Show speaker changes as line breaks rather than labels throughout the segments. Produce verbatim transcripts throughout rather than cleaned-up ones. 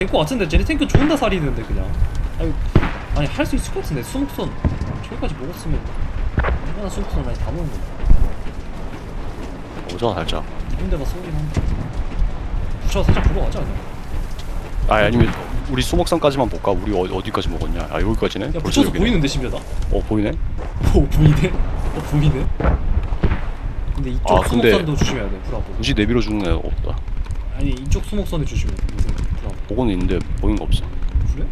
될 것 같은데 쟤네 탱크 존나 살이는데 그냥. 아니, 아니 할 수 있을 것 같은데 수목선 저기까지 먹었으면 얼마나 수목선 많이 다 먹은 건데.
오잖아 살짝.
좋은 데가 쏘긴 한데. 부차 살짝 보러 가자 그냥.
아 아니면 우리 수목산까지만 볼까? 우리 어, 어디까지 먹었냐? 아 여기까지네?
야
벌써
붙여서
여기네.
보이는데 심지어 나?
어 보이네?
오 보이네? 어 보이네? 근데 이쪽
아, 근데-
수목선도 조심해야 돼 브라보.
굳이 내밀어 주는 애가 없다.
아니 이쪽 수목선에 조심해 무슨 브라보.
보고는 있는데 보이는 거 없어.
그래?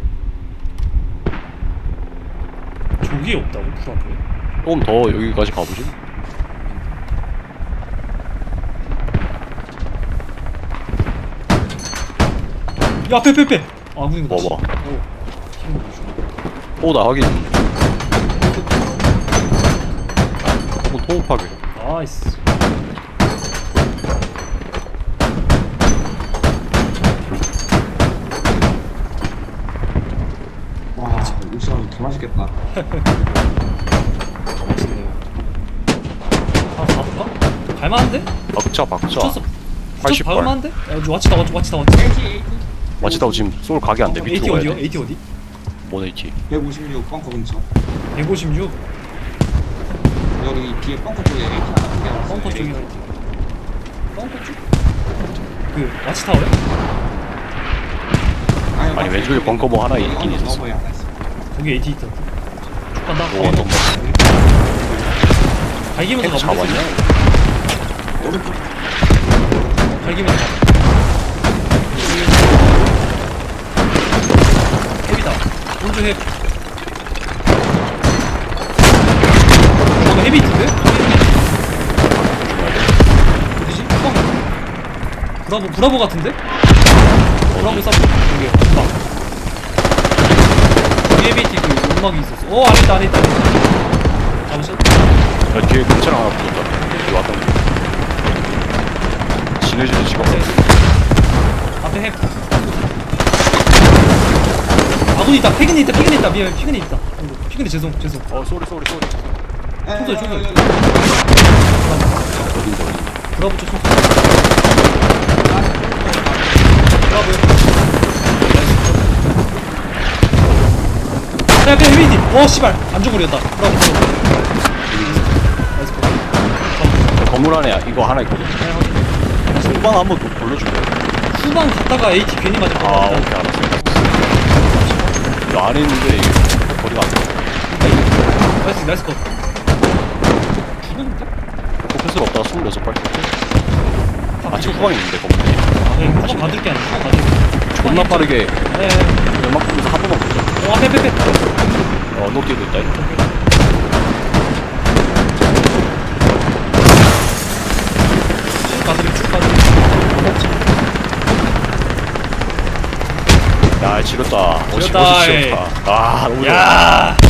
저기에 없다고 브라보에?
조금 더 여기까지 가보지.
야 빼빼빼! 아 무슨 거
봐봐.
어 힘을 못 주네.
오나 확인. 조금 토up하게.
나이스.
와, 육수하면 개 맛있겠다.
멋있네요. 아 가볼까? 갈만한데?
박자 박자.
붙였어.
팔십 발.
갈만한데? 야 와치다 와치 와치다 와치.
마치다고 지금 솔 각이 안 돼.
에이티
밑으로 가야
어디요?
돼.
에이티 어디?
뭔 에이티?
백오십육 벙커 근처.
백오십육
여기 뒤에 벙커 쪽에 에이티 하나 크게 왔어.
벙커 쪽이라 했지. 벙커 쪽? 그 와치타워요?
아니, 왼쪽에 벙커 뭐 하나 있긴 있었어.
벙커에 하나 있어.
거기 에이티 있던데. 쭉 간다.
오
어,
너무.
갈기면서
탱크
가보자.
잡았냐?
오른쪽.
갈기면서 가. 헤비다. 오른쪽 헤비. 어, 나 헤비 있던데? 어디지? 뻥. 브라보, 브라보 같은데? 브라보 싸고. 여기, 방. 여기 헤비 있지, 그 음악이 있었어. 어, 안에 있다, 안에 있다. 잡으셨?
야 뒤에 근처랑 하나 붙었다. 여기 왔던 거. 시너지도 지금
네. 앞에 핵. 아군 있다. 피근 있다. 피근 있다. 미안. 피근 있다. 아이고, 피근이 죄송. 죄송.
어 쏘리 쏘리 쏘리.
총소리, 총소리.
어딘데 어딘데.
브라보 쪽 총소리. 브라보. 앞에 앞에 헤비디. 오 씨발. 안쪽으로였다. 브라보. 브라보. 나이스 컷.
저 건물 안에 이거 하나 있거든.
네, 확인.
후방 한번 더 돌려줄게.
후방 갔다가 에이티 괜히 맞을 것
아
같다.
오케이 알았어. 이 안에 있는데 이게 거리가 안 돼.
나이스 나이스 컷. 죽었는데?
포커스가 없다가 스물여섯 발.
아,
아직 후방에 있는데 건물이.
아, 그냥 후방 받을 게 아니야. 후방 받을 게.
존나 빠르게
네.
연막 보면서 한 번만 보자.
어, 앞에, 앞에, 앞에.
어 노티도 있다. 이거.
쭉 가드림, 쭉 가드림.
야 지렸다.
지렸다,
어시
에이.
지렸다. 아 너무 좋아.
야!